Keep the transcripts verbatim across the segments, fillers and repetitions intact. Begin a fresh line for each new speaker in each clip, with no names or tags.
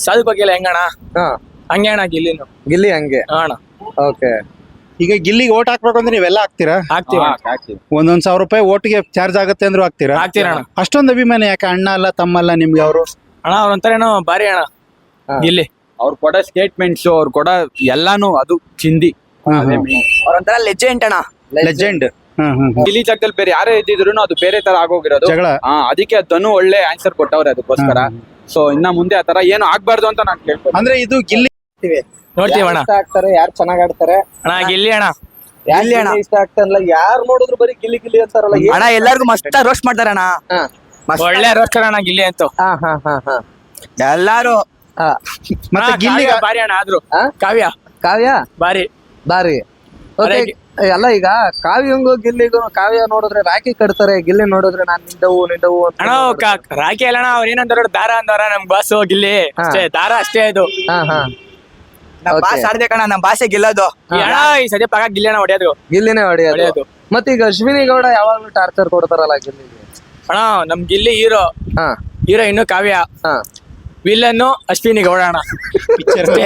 ಸಾಧು ಬಗ್ಗೆ ಹೆಂಗಣ
ಹಾ
ಹಂಗೆ ಅಣ್ಣ ಗಿಲ್ಲಿನು
ಗಿಲ್ಲಿ ಹಂಗೆ.
ಅಣ್ಣ
ಓಕೆ.
ಈಗ ಗಿಲ್ಲಿಗೆ ಓಟ್ ಹಾಕ್ಬೇಕು ಅಂದ್ರೆ ನೀವೆಲ್ಲ ಹಾಕ್ತೀರಾ?
ಹಾಕ್ತೀವಿ
ಒಂದೊಂದ್ ಸಾವಿರ ರೂಪಾಯಿ ಓಟ್ಗೆ ಚಾರ್ಜ್ ಆಗುತ್ತೆ ಅಂದ್ರೂ ಹಾಕ್ತೀರಾ?
ಹಾಕ್ತೀರಣ್ಣ
ಅಷ್ಟೊಂದು ಅಭಿಮಾನ ಯಾಕೆ? ಅಣ್ಣ ಅಲ್ಲ ತಮ್ಮಲ್ಲ ನಿಮ್ಗೆ ಅವರು?
ಅಣ್ಣ ಅವ್ರ ಏನೋ ಬಾರಿ ಅಣ್ಣ ಗಿಲ್ಲಿ.
ಅವ್ರು ಕೊಡೋ ಸ್ಟೇಟ್ಮೆಂಟ್ಸ್, ಅವ್ರು ಕೊಡೋ ಎಲ್ಲಾನು ಅದು ಚಿಂದಿ.
ಅವ್ರೊಂಥರ ಲೆಜೆಂಡ್ ಅಣ್ಣ.
ಲೆಜೆಂಡ್.
ಗಿಲ್ಲಿ ಜಾಗದಲ್ಲಿ ಬೇರೆ ಯಾರೇ ಇದ್ದಿದ್ರು ಅದು ಬೇರೆ ತರ ಆಗೋಗಿರೋದು
ಜಗಳ.
ಹಾ, ಅದಕ್ಕೆ ಧನು ಒಳ್ಳೆ ಆನ್ಸರ್ ಕೊಟ್ಟವ್ರೆ ಅದಕ್ಕೋಸ್ಕರ. ಸೊ ಇನ್ನ ಮುಂದೆ ಆತರ ಏನು ಆಗ್ಬಾರ್ದು ಅಂತ ನಾನು ಕೇಳ್ತೀನಿ.
ಅಂದ್ರೆ ಇದು ಗಿಲ್ಲಿ
ನೋಡ್ತೀವಿ ಅಣ್ಣ.
ಇಷ್ಟ ಆಗ್ತಾರೆ, ಯಾರು ಚೆನ್ನಾಗ್ ಆಡ್ತಾರೆ?
ಅಣ್ಣ ಗಿಲ್ಲಿ ಅಣ್ಣ.
ಗಿಲ್ಲಿ ಅಣ್ಣ
ಇಷ್ಟ ಆಗ್ತಾರಲ್ಲ, ಯಾರು ನೋಡಿದ್ರು ಬರೀ ಗಿಲ್ಲಿ ಗಿಲ್ಲಿ ಅಂತಾರಲ್ಲ. ಏನ್-
ಅಣ್ಣ ಎಲ್ಲಾರ್ಗು ಮಸ್ತ್ ರೋಸ್ಟ್ ಮಾಡ್ತಾರೆ ಅಣ್ಣ.
ಹಾ.
ಮಸ್ತ್.
ಒಳ್ಳೆ ರೋಸ್ಟರ್ ಅಣ್ಣ ಗಿಲ್ಲಿ ಅಂತೂ.
ಹಾ ಹಾ ಹಾ ಹಾ
ಎಲ್ಲಾರು
ಹಾ.
ಮತ್ತೆ
ಅಣ್ಣ,
ಗಿಲ್ಲಿ
ಕಾವ್ಯ ಬಾರಿ ಅಣ್ಣ ಆದ್ರು.
ಹಾ?
ಕಾವ್ಯ
ಕಾವ್ಯ
ಬಾರಿ.
ಬಾರಿ. ಓಕೆ.
ಅರೆ-
ಅಲ್ಲ, ಈಗ ಕಾವ್ಯಂಗು ಗಿಲ್ಲಿಗೂ, ಕಾವ್ಯ ನೋಡಿದ್ರೆ ರಾಖಿ ಕಟ್ತಾರೆ, ಗಿಲ್ಲಿ ನೋಡಿದ್ರೆ ನಾನ್ ನಿಂದವು ನಿಂದವು ಅಂತ.
ಅಣ್ಣ ಕ- ರಾಖಿ ಅಲ್ಲಣ್ಣ ಅವ್ರ ಏನಂತಾರ ದಾರ ಅಂದವ್ರ ನಮ್ ಬಾಸು ಗಿಲ್ಲಿ ಅಷ್ಟೇ. ದಾರ ಅಷ್ಟೇ ಇದು.
ಹಾ ಹಾ
ನಮ್
Okay.
ಭಾಷೆ ಆಡ್ದೆ ಕಣ, ನಮ್ ಭಾಷೆ ಗೆಲ್ಲೋದು.
ಈ ಅಣ್ಣ ಈ ಸದ್ಯ ಪಾಕ ಗಿಲ್ಲಿ ಅಣ್ಣ ಹೊಡೆಯೋದು
ಗಿಲ್ಲಿನೇ ಹೊಡೆಯೋದು.
ಹೊಡೆಯೋದು.
ಮತ್ತೆ ಈಗ ಅಶ್ವಿನಿ ಗೌಡ ಯಾವಾಗ್ಲೂ ಟಾರ್ಚರ್ ಕೊಡ್ತಾರಲ್ಲ ಗಿಲ್ಲಿಗೆ.
ಅಣ್ಣ ನಮ್ ಗಿಲ್ಲಿ ಹೀರೋ.
ಹಾ
ಹೀರೋ ಇನ್ನು ಕಾವ್ಯ,
ಹಾ
ವಿಲ್ಲನ್ನು ಅಶ್ವಿನಿ ಗೌಡ ಅಣ್ಣ. ಅಷ್ಟೇ.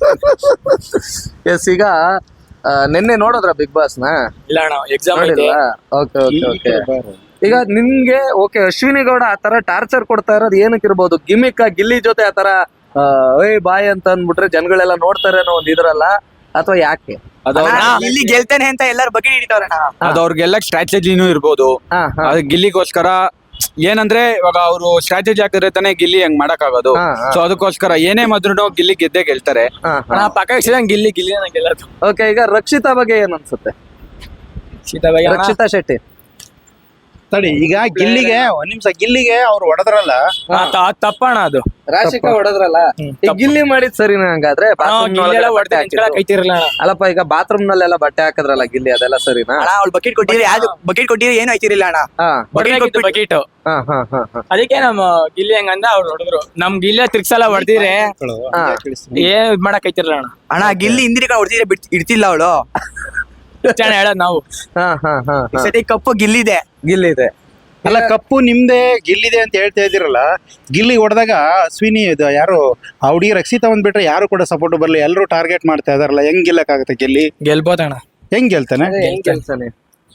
ಎಸ್. ಈಗ ಆ, ನಿನ್ನೆ ನೋಡಿದ್ರ ಬಿಗ್ ಬಾಸ್ ನ?
ಇಲ್ಲ ಅಣ್ಣ ಎಕ್ಸಾಮ್ ಐತೆ.
ನೋಡಿಲ್ವಾ? Okay okay okay. ಈಗ ನಿಮ್ಗೆ ಓಕೆ ಅಶ್ವಿನಿ ಗೌಡ ಆತರ ಟಾರ್ಚರ್ ಕೊಡ್ತಾ ಇರೋದು ಏನಕ್ಕೆ ಇರ್ಬೋದು? ಗಿಮಿಕ್ ಗಿಲ್ಲಿ ಜೊತೆ ಆತರ ಏಯ್ ಬಾಯ್ ಅಂತ ಅಂದ್ಬಿಟ್ರೆ ಜನಗಳೆಲ್ಲ ನೋಡ್ತಾರೆ ಅನ್ನೋ ಒಂದ್ ಇದ್ರಲ್ಲ, ಅಥವಾ ಯಾಕೆ?
ಅದು
ಅಣ್ಣ, ಗಿಲ್ಲಿ ಗೆಲ್ತಾನೆ ಅಂತ ಎಲ್ಲಾರು ಬಗ್ಗೆ ಹಿಡಿತವ್ರಣ್ಣ.
ಅದು ಅವ್ರಿಗೆಲ್ಲ ಸ್ಟ್ರಾಟಜಿನೂ ಇರ್ಬೋದು.
ಹಾ ಹಾ
ಅದು ಗಿಲ್ಲಿಗೋಸ್ಕರ ಏನಂದ್ರೆ ಇವಾಗ ಅವರು ಸ್ಟ್ರಾಟಜಿ ಹಾಕಿದ್ರೆ ತಾನೇ ಗಿಲ್ಲಿ ಹಂಗ್ ಮಾಡಕ್ ಆಗೋದು.
ಹಾ, ಹಾ.
ಸೊ ಅದಕ್ಕೋಸ್ಕರ ಏನೇ ಮಾದ್ರು ಗಿಲ್ಲಿ ಗೆದ್ದೆ ಗೆಲ್ತಾರೆ.
ಹಾ
ಅಣ್ಣ
ಹಾ
ಪಕ್ಕ ಇಷ್ಟ ಗಿಲ್ಲಿ ಗಿಲ್ಲಿ ಗೆಲ್ಲದು.
ಓಕೆ. ಈಗ ರಕ್ಷಿತಾ ಬಗ್ಗೆ ಏನ್ ಅನ್ಸುತ್ತೆ?
ಸೀತಾ ಬಗ್ಗೆ ಅಣ್ಣ.
ರಕ್ಷಿತಾ ಶೆಟ್ಟಿ.
ತಡಿ, ಈಗ ಗಿಲ್ಲಿಗೆ ಒಂದ್ ನಿಮಿಷ, ಗಿಲ್ಲಿಗೆ ಅವ್ರು ಹೊಡೆದ್ರಲ್ಲ,
ಆ, ತ- ತಪ್ಪಣ್ಣ ಅದು.
ರಾಶಿಕಾ ಹೊಡೆದ್ರಲ್ಲ,
ಹ್ಮ್,
ಈಗ
ತಪ್ಪು.
ಗಿಲ್ಲಿ ಮಾಡಿದ್ ಸರಿನಾ ಹಂಗಾದ್ರೆ?
ಅಣ್ಣ,
bathroom
ಗಿಲ್ಲಿ ಎಲ್ಲ
ಒಳಗಡೆ
ಹೊಡ್ದೆ
ಬಟ್ಟೆ
ನಿಂತ್ಕೊಳಕ್
ಹಾಕಿದ್ದು.
ಐತಿರಲ್ಲ ಅಣ್ಣ.
ಅಲ್ಲಪ್ಪ, ಈಗ ಬಾತ್ರೂಮ್ ನಲ್ಲೆಲ್ಲ ಬಟ್ಟೆ ಹಾಕಿದ್ರಲ್ಲ ಗಿಲ್ಲಿ, ಅದೆಲ್ಲ ಸರಿನಾ?
ಅಣ್ಣ ಅವ್ಳು ಬಕೆಟ್ ಕೊಟ್ಟಿದ್ರೆ ಯಾವ್ದು ಬಕೆಟ್ ಕೊಟ್ಟಿದ್ರೆ ಏನು ಆಯ್ತಿರಿಲ್ಲ ಅಣ್ಣ.
ಹಾ
ಹೊಡ್ದಾಕಿತ್ತು ಬಕೀಟು.
ಹಾ ಹಾ ಹಾ ಹಾ
ಅದಕ್ಕೆ ನಮ್ಮ ಗಿಲ್ಲಿ ಹೆಂಗಂದ ಅವ್ರು ಹೊಡೆದ್ರು. ನಮ್ ಗಿಲ್ಲಿ ತಿರ್ಗ್ಸಲ ಹೊಡೆದಿದ್ರೆ
ಹಾ.
ಏನ್ ಇದ್ ಮಾಡಕ್ ಐತಿರಲ್ಲ ಅಣ್ಣ.
ಅಣ್ಣ ಗಿಲ್ಲಿ ಹಿಂದಿರಿ ಕಡೆ ಹೊಡ್ತಿದ್ರೆ ಬಿಟ್ ಇಡ್ತಿಲ್ಲ ಅವಳು.
ಇಷ್ಟ ಅಣ್ಣ ಹೇಳೋದ್ ನಾವು.
ಹಾ ಹಾ ಹಾ
ಈ
ಹಾ.
ಸತಿ ಕಪ್ಪು ಗಿಲ್ಲಿದೆ.
ಗಿಲ್ಲಿ ಇದೆ.
ಅಲ್ಲ ಕಪ್ಪು ನಿಮ್ದೆ ಗಿಲ್ಲಿದೆ ಅಂತ ಹೇಳ್ತಾ ಇದ್ದೀರಲ್ಲ, ಗಿಲ್ಲಿ ಹೊಡೆದಾಗ ಅಶ್ವಿನಿ ಇದು ಯಾರು ಆ ಹುಡುಗಿ ರಕ್ಷಿತಾ ಒಂದ್ ಬಿಟ್ರೆ ಯಾರು ಕೂಡ ಸಪೋರ್ಟ್ ಬರಲಿ, ಎಲ್ಲರೂ ಟಾರ್ಗೆಟ್ ಮಾಡ್ತಾ ಇದಾರಲ್ಲ, ಹೆಂಗ್ ಗೆಲ್ಲಕ್ಕಾಗತ್ತೆ ಗಿಲ್ಲಿ?
ಗೆಲ್ಬೋದಣ್ಣ.
ಹೆಂಗ್ ಗೆಲ್ತಾನೆ?
ಅದೇ ಹೆಂಗ್ ಕೆಲ್ಸನೇ?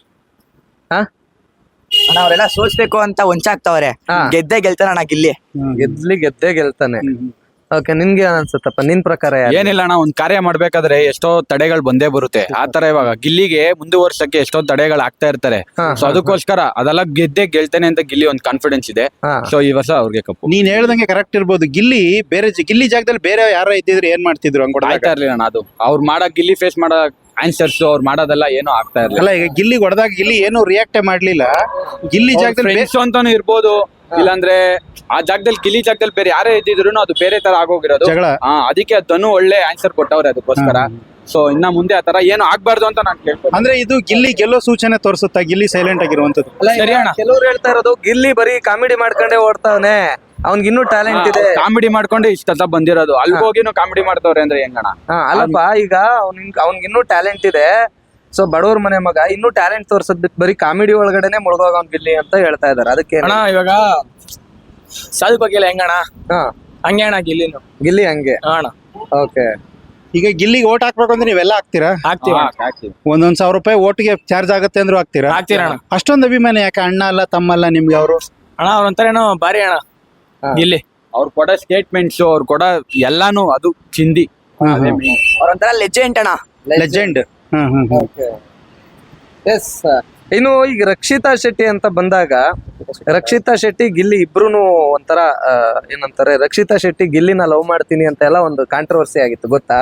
ಹಾ
ಅಣ್ಣ ಅವರೆಲ್ಲ ಸೋಲ್ಸ್ಬೇಕು ಅಂತ ಹೊಂಚಾಕ್ತವ್ರೆ.
ಹಾ.
ಗೆದ್ದೆ ಗೆಲ್ತಾನ ಅಣ್ಣ ಗಿಲ್ಲಿ.
ಗೆದ್ಲಿ ಗೆದ್ದೇ ಗೆಲ್ತಾನೆ. ಓಕೆ. ನಿನ್ಗೆ ಏನ್ ಅನ್ಸುತ್ತಪ್ಪ? ನಿನ್ ಪ್ರಕಾರ ಯಾರು?
ಏನಿಲ್ಲ ಅಣ್ಣ, ಒಂದ್ ಕಾರ್ಯ ಮಾಡ್ಬೇಕಾದ್ರೆ ಎಷ್ಟೋ ತಡೆಗಳು ಬಂದೇ ಬರುತ್ತೆ. ಆತರ ಇವಾಗ ಗಿಲ್ಲಿಗೆ ಮುಂದುವರ್ಸಕ್ಕೆ ಎಷ್ಟೋ ತಡೆಗಳು ಆಗ್ತಾ ಇರ್ತಾರೆ.
ಹಾ,
ಸೊ ಅದಕ್ಕೋಸ್ಕರ ಅದೆಲ್ಲ ಗೆದ್ದೆ ಗೆಲ್ತಾನೆ ಅಂತ ಗಿಲ್ಲಿ ಒಂದ್ ಕಾನ್ಫಿಡೆನ್ಸ್ ಇದೆ.
ಹಾ.
ಸೊ ಈ ವರ್ಷ ಅವ್ರಿಗೆ ಕಪ್ಪು.
ನೀನ್ ಹೇಳ್ದಂಗೆ ಕರೆಕ್ಟ್ ಇರ್ಬೋದು. ಗಿಲ್ಲಿ ಬೇರೆ ಜ- ಗಿಲ್ಲಿ ಜಾಗದಲ್ಲಿ ಬೇರೆ ಯಾರೋ ಇದ್ದಿದ್ರೆ ಏನ್ ಮಾಡ್ತಿದ್ರು ಹಂಗ್ ಹೊಡೆದಾಗ?
ಆಯ್ತಾ ಇರ್ಲಿಲ್ಲ ಅಣ್ಣ, ಅದು ಅವ್ರು ಮಾಡಕ್ ಗಿಲ್ಲಿ ಫೇಸ್ ಮಾಡೋ ಆನ್ಸರ್ಸ್ ಅವ್ರು ಮಾಡೋದೆಲ್ಲ ಏನೂ ಆಗ್ತಾ ಇರ್ಲಿಲ್ಲ.
ಅಲ್ಲ, ಈಗ ಗಿಲ್ಲಿ ಹೊಡೆದಾಗ ಗಿಲ್ಲಿ ಏನು ರಿಯಾಕ್ಟೇ ಮಾಡ್ಲಿಲ್ಲ. ಗಿಲ್ಲಿ ಜಾಗದಲ್ಲಿ ಬೇ-
ಫ್ರೆಂಡ್ಸ್ ಅಂತಾನು ಇರ್ಬೋದು, ಇಲ್ಲಾಂದ್ರೆ ಆ ಜಾಗದಲ್ಲಿ ಗಿಲ್ಲಿ ಜಾಗದಲ್ಲಿ ಬೇರೆ ಯಾರೇ ಇದ್ದಿದ್ರು ಅದು ಬೇರೆ ತರ ಆಗೋಗಿರೋದು.
ಜಗಳ.
ಹಾ, ಅದಕ್ಕೆ ಧನು ಒಳ್ಳೆ ಆನ್ಸರ್ ಕೊಟ್ಟವ್ರೆ ಅದಕ್ಕೋಸ್ಕರ. ಸೊ ಇನ್ನ ಮುಂದೆ ಆತರ ಏನು ಆಗ್ಬಾರ್ದು ಅಂತ ನಾನು ಕೇಳ್ತೀನಿ.
ಅಂದ್ರೆ ಇದು ಗಿಲ್ಲಿ ಗೆಲ್ಲೋ ಸೂಚನೆ ತೋರಿಸುತ್ತಾ ಗಿಲ್ಲಿ ಸೈಲೆಂಟ್ ಆಗಿರುವಂತದ್ದು?
ಅಲ್ಲ,
ಸರಿ ಅಣ್ಣ.
ಕೆಲವ್ರು ಹೇಳ್ತಾ ಇರೋದು ಗಿಲ್ಲಿ ಬರೀ ಕಾಮಿಡಿ ಮಾಡ್ಕೊಂಡೇ ಓಡ್ತಾವನೆ, ಅವ್ನ್ಗಿನ್ನೂ ಟ್ಯಾಲೆಂಟ್ ಇದೆ.
ಕಾಮಿಡಿ ಮಾಡ್ಕೊಂಡು ಇಷ್ಟ ಬಂದಿರೋದು, ಅಲ್ಗೋಗಿನೂ ಕಾಮಿಡಿ ಮಾಡ್ತವ್ರೆ ಅಂದ್ರೆ ಹೆಂಗಣ?
ಹಾ ಅಲ್ಲಪ್ಪ, ಈಗ ಅವ್ನ್ ಅವ್ನ್ಗಿನ್ನೂ ಟ್ಯಾಲೆಂಟ್ ಇದೆ. ಸೊ ಬಡವ್ರ ಮನೆ ಮಗ ಇನ್ನೂ ಟ್ಯಾಲೆಂಟ್ ತೋರ್ಸದ್ ಬಿಟ್ಟು ಬರೀ ಕಾಮಿಡಿ ಒಳಗಡೆನೆ ಮುಳುಗೋಗ ಅವ್ನ್ ಗಿಲ್ಲಿ ಅಂತ ಹೇಳ್ತಾ ಇದಾರೆ. ಅದಕ್ಕೆ
ಅಣ್ಣ ಇವಾಗ ಸಾಧು ಬಗ್ಗೆ ಹೆಂಗಣ್ಣ
ಹಾ
ಹಂಗೆ ಅಣ್ಣ ಗಿಲ್ಲಿನು.
ಗಿಲ್ಲಿ ಹಂಗೆ.
ಹಾ ಅಣ್ಣ
ಓಕೆ.
ಈಗ ಗಿಲ್ಲಿಗೆ ಓಟ್ ಹಾಕ್ಬೇಕು ಅಂದ್ರೆ ನೀವೆಲ್ಲ ಹಾಕ್ತೀರಾ?
ಹಾಕ್ತೀವಿ
ಹಾ,
ಅಣ್ಣ.
ಹಾಕ್ತೀವಿ.
ಒಂದೊಂದ್ ಸಾವಿರ ರೂಪಾಯಿ ಓಟ್ಗೆ ಚಾರ್ಜ್ ಆಗುತ್ತೆ ಅಂದ್ರೂ ಹಾಕ್ತೀರಾ?
ಹಾಕ್ತೀರಣ್ಣ.
ಅಷ್ಟೊಂದು ಅಭಿಮಾನ ಯಾಕೆ? ಅಣ್ಣ ಅಲ್ಲ ತಮ್ಮಲ್ಲ ನಿಮ್ಗೆ ಅವರು?
ಅಣ್ಣ ಅವ್ರ ಏನೋ ಬಾರಿ ಅಣ್ಣ
ಹಾ.
ಗಿಲ್ಲಿ.
ಅವ್ರು ಕೊಡೋ ಸ್ಟೇಟ್ಮೆಂಟ್ಸ್, ಅವ್ರು ಕೊಡೋ ಎಲ್ಲಾನು ಅದು ಚಿಂದಿ.
ಅವ್ರೊಂಥರ ಲೆಜೆಂಡ್ ಅಣ್ಣ.
ಲೆಜೆಂಡ್. ಹ್ಮ್ ಹ್ಮ್ ಹ್ಮ್.
ಎಸ್. ಇನ್ನು ಈಗ ರಕ್ಷಿತಾ ಶೆಟ್ಟಿ ಅಂತ ಬಂದಾಗ, ರಕ್ಷಿತಾ ಶೆಟ್ಟಿ ಗಿಲ್ಲಿ ಇಬ್ರು ಒಂಥರ ಆ, ಏನಂತಾರೆ, ರಕ್ಷಿತಾ ಶೆಟ್ಟಿ ಗಿಲ್ಲಿನ ಲವ್ ಮಾಡ್ತೀನಿ ಅಂತ ಎಲ್ಲ ಒಂದು ಕಾಂಟ್ರವರ್ಸಿ ಆಗಿತ್ತು, ಗೊತ್ತಾ?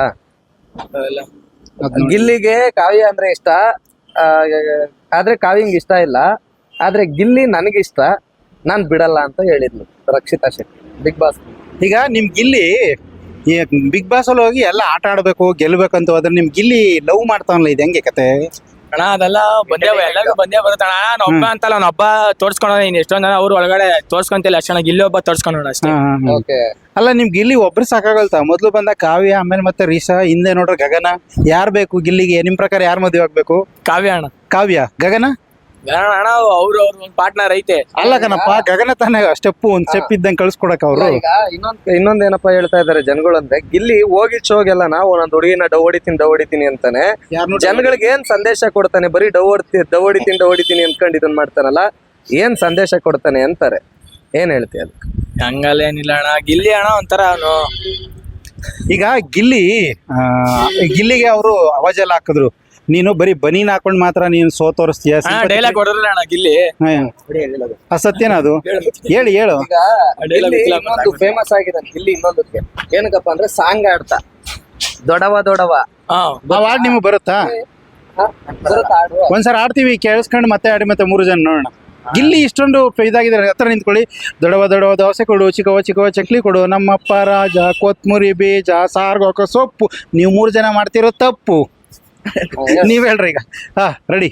ಗಿಲ್ಲಿಗೆ ಕಾವ್ಯ ಅಂದ್ರೆ ಇಷ್ಟ, ಆ, ಆದ್ರೆ ಕಾವ್ಯಂಗ್ ಇಷ್ಟ ಇಲ್ಲ. ಆದ್ರೆ ಗಿಲ್ಲಿ ನನಗಿಷ್ಟ, ನಾನ್ ಬಿಡಲ್ಲ ಅಂತ ಹೇಳಿದ್ಲು ರಕ್ಷಿತಾ ಶೆಟ್ಟಿ ಬಿಗ್ ಬಾಸ್.
ಈಗ ನಿಮ್ ಗಿಲ್ಲಿ ಈ ಬಿಗ್ ಬಾಸ್ ಅಲ್ಲಿ ಹೋಗಿ ಎಲ್ಲ ಆಟ ಆಡ್ಬೇಕು ಗೆಲ್ಬೇಕಂತ ಹೋದ್ರೆ ನಿಮ್ ಗಿಲ್ಲಿ ಲವ್ ಮಾಡ್ತಾವಲ್ಲ, ಇದು ಹೆಂಗೆ ಕತೆ?
ಅಣ್ಣ ಅದೆಲ್ಲ ಬಂದೇ ಎಲ್ಲರಿಗೂ ಬಂದೇ ಬರುತ್ತೆ ಅಣ್ಣ. ನಾನು ಒಬ್ಬ ಅಂತಲ್ಲ, ಅವ್ನ ಒಬ್ಬ ತೋರ್ಸ್ಕೊಂಡ. ಇನ್ ಎಷ್ಟೊಂದ್ ಜನ ಅವ್ರು ಒಳಗಡೆ ತೋರ್ಸ್ಕೊಂತಿಲ್ಲ ಅಷ್ಟೇ, ಗಿಲ್ಲಿ ಒಬ್ಬ ತೋರ್ಸ್ಕೊಂಡ ಅಷ್ಟೇ.
ಹ್ಮ್ ಹ್ಮ್ ಹ್ಮ್.
ಓಕೆ.
ಅಲ್ಲ ನಿಮ್ ಗಿಲ್ಲಿ ಒಬ್ರು ಸಾಕಾಗಲ್ತಾ? ಮೊದ್ಲು ಬಂದ ಕಾವ್ಯ, ಆಮೇಲೆ ಮತ್ತೆ ರೀಸಾ, ಹಿಂದೆ ನೋಡ್ರೆ ಗಗನ. ಯಾರ್ ಬೇಕು ಗಿಲ್ಲಿಗೆ? ನಿಮ್ ಪ್ರಕಾರ ಯಾರ್ ಮದುವೆ ಆಗ್ಬೇಕು?
ಕಾವ್ಯ ಅಣ್ಣ.
ಕಾವ್ಯ, ಗಗನ?
ಅಣ್ಣ ಅಣ್ಣ ಅವ್ರು ಅವ್ರ ಒಂದ್ ಪಾರ್ಟ್ನರ್ ಐತೆ.
ಅಲ್ಲ ಕಣಪ್ಪ, ಗಗನ ತಾನೇ ಸ್ಟೆಪ್ ಒಂದ್ ಸ್ಟೆಪ್ ಇದ್ದಂಗೆ ಕಳ್ಸ್ಕೊಡಕ್ ಅವ್ರು.
ಈಗ ಇನ್ನೊಂದ್ ಇನ್ನೊಂದ್ ಏನಪ್ಪಾ ಹೇಳ್ತಾ ಇದಾರೆ ಜನಗಳು ಅಂದ್ರೆ, ಗಿಲ್ಲಿ ಹೋಗಿ ಶೋಗೆಲ್ಲ ನಾವು ಒಂದೊಂದ್ ಹುಡುಗಿನ ಡವ್ ಹೊಡಿತೀನಿ ಡವ್ ಹೊಡಿತೀನಿ ಅಂತಾನೆ.
ಯಾರ್ನೂ
ಜನಗಳಿಗೆ ಏನ್ ಸಂದೇಶ ಕೊಡ್ತಾನೆ? ಬರೀ ಡವ್ ಹೊಡ್ತಿ ಡವ್ ಹೊಡಿತೀನಿ ಡವ್ ಹೊಡಿತೀನಿ ಅನ್ಕೊಂಡು ಇದನ್ ಮಾಡ್ತಾನಲ್ಲ, ಏನ್ ಸಂದೇಶ ಕೊಡ್ತಾನೆ ಅಂತಾರೆ? ಏನ್ ಹೇಳ್ತೀಯ ಅದಕ್ಕೆ?
ಹಂಗಲ್ಲ ಏನಿಲ್ಲ ಅಣ್ಣ, ಗಿಲ್ಲಿ ಅಣ್ಣ ಒಂಥರ ಅವನು
ಈಗ ಗಿಲ್ಲಿ ಆ, ಗಿಲ್ಲಿಗೆ ಅವರು ಅವಾಜೆಲ್ಲ ಹಾಕಿದ್ರು, ನೀನು ಬರೀ ಬನೀನ್ ಹಾಕೊಂಡ್ ಮಾತ್ರ ನೀನು ಸೋ ತೋರಿಸ್ತೀಯ.
ಡೈಲಾಗ್ ಹೊಡೆದ್ರಲ್ಲ ಅಣ್ಣ ಗಿಲ್ಲಿ.
ಆ ಸತ್ಯನ ಅದು? ಹೇಳಿ ಹೇಳು.
ಈಗ ಗಿಲ್ಲಿ ಇನ್ನೊಂದು ಫೇಮಸ್ ಆಗಿದೆ ಗಿಲ್ಲಿ ಇನ್ನೊಂದಕ್ಕೆ ಏನಕ್ಕಪ್ಪ ಅಂದ್ರೆ ಸಾಂಗ್ ಆಡ್ತಾ ದೊಡವ ದೊಡವ.
ಹಾ
ಆ ಹಾಡ್ ನಿಮ್ಗೆ ಬರುತ್ತಾ?
ಹ? ಬರುತ್ತಾ ಹಾಡು?
ಒಂದ್ಸಲ ಆಡ್ತೀವಿ, ಕೇಳಿಸ್ಕೊಂಡು ಮತ್ತೆ ಆಡಿ ಮತ್ತೆ ಮೂರು ಜನ ನೋಡೋಣ. ಗಿಲ್ಲಿ ಇಷ್ಟೊಂದು ಇದಾಗಿದ್ದಾರೆ, ಹತ್ರ ನಿಂತ್ಕೊಳ್ಳಿ. ದೊಡವ ದೊಡವ ದೋಸೆ ಕೊಡು, ಚಿಕ್ಕವ ಚಿಕ್ಕವ ಚಕ್ಲಿ ಕೊಡು, ನಮ್ಮಪ್ಪ ರಾಜ ಕೊತ್ಮುರಿ ಬೀಜ ಸಾರ್ಗೋಕ ಸೊಪ್ಪು. ನೀವು ಮೂರು ಜನ ಮಾಡ್ತಿರೋ ತಪ್ಪು. ನೀವ್ ಹೇಳ್ರಿ ಈಗ. ಹಾ ರೆಡಿ.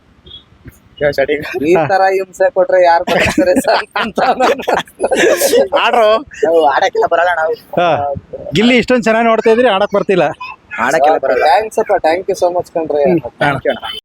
ಈ ತರ ಹಿಂಸೆ ಕೊಟ್ರೆ ಯಾರು ಬರ್ತಾರೆ
ಆಡ್ರು.
ಆಡಕ್ಕೆಲ್ಲ ಬರಲ್ಲ ನಾವು.
ಹಾ, ಗಿಲ್ಲಿ ಇಷ್ಟೊಂದು ಚೆನ್ನಾಗಿ ನೋಡ್ತಾ ಇದ್ರಿ, ಆಡಕ್ ಬರ್ತಿಲ್ಲ.
ಆಡಕ್ಕೆಲ್ಲ ಬರಲ್ಲ.
ಥ್ಯಾಂಕ್ಸ್ ಅಪ್ಪ, ಥ್ಯಾಂಕ್ ಯು ಸೋ ಮಚ್ ಕಣ್ರಿ.